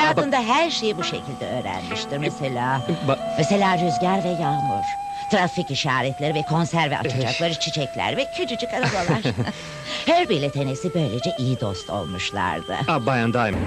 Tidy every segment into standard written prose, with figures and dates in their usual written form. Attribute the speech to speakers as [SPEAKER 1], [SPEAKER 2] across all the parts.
[SPEAKER 1] Hayatında her şeyi bu şekilde öğrenmiştir. Mesela rüzgar ve yağmur. Trafik işaretleri ve konserve açacakları çiçekler ve küçücük arabalar. Herbie ile Tennessee böylece iyi dost olmuşlardı.
[SPEAKER 2] Bayan Diamond.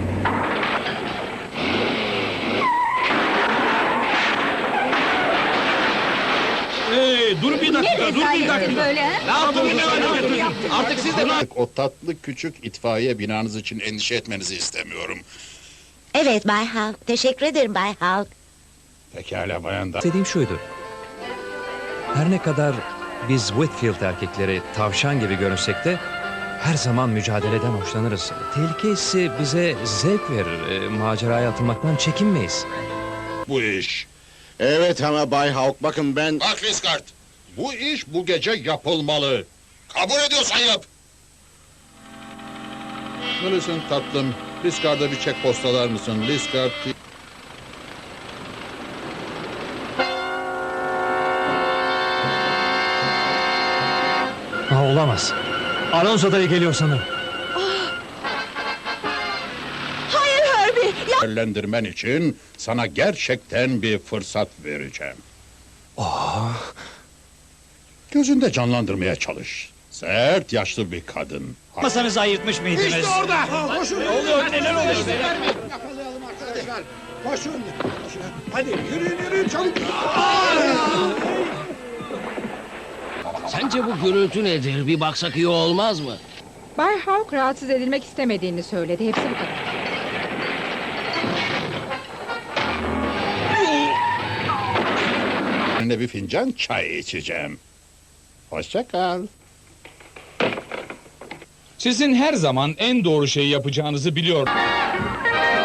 [SPEAKER 3] Dur bir dakika, dur bir dakika.
[SPEAKER 4] Böyle ha?
[SPEAKER 3] Ne yaptınız? Artık siz de...
[SPEAKER 5] O tatlı küçük itfaiye binanız için endişe etmenizi istemiyorum.
[SPEAKER 1] Evet Bay Hulk, teşekkür ederim Bay Hulk.
[SPEAKER 5] Pekala bayan da.
[SPEAKER 2] Dediğim şuydu. Her ne kadar biz Whitfield erkekleri tavşan gibi görünsek de her zaman mücadeleden hoşlanırız. Tehlike hissi bize zevk verir. Maceraya atılmaktan çekinmeyiz.
[SPEAKER 5] Bu iş.
[SPEAKER 6] Evet ama Bay Hawk bakın ben...
[SPEAKER 5] Bak Liskart, bu iş bu gece yapılmalı. Kabul ediyorsan yap. Millicent tatlım, Liskart'a bir çek postalar mısın? Liskart...
[SPEAKER 2] Olamaz. Alonso dayı geliyor sanırım.
[SPEAKER 1] Hayır Herbie,
[SPEAKER 5] Değerlendirmen için sana gerçekten bir fırsat vereceğim. Gözünde canlandırmaya çalış. Sert, yaşlı bir kadın.
[SPEAKER 3] Masanızı ayırtmış mıydınız?
[SPEAKER 7] İşte orada! Koşun!
[SPEAKER 3] Ne oluyor, neler oluyor?
[SPEAKER 7] Yakalayalım arkadaşlar! Koşun! Hadi yürüyün çabuk!
[SPEAKER 8] Sence bu gürültü nedir? Bir baksak iyi olmaz mı?
[SPEAKER 4] Bay Hawk rahatsız edilmek istemediğini söyledi. Hepsi bu kadar.
[SPEAKER 5] Seninle bir fincan çay içeceğim. Hoşça kal.
[SPEAKER 3] Sizin her zaman en doğru şeyi yapacağınızı biliyorum.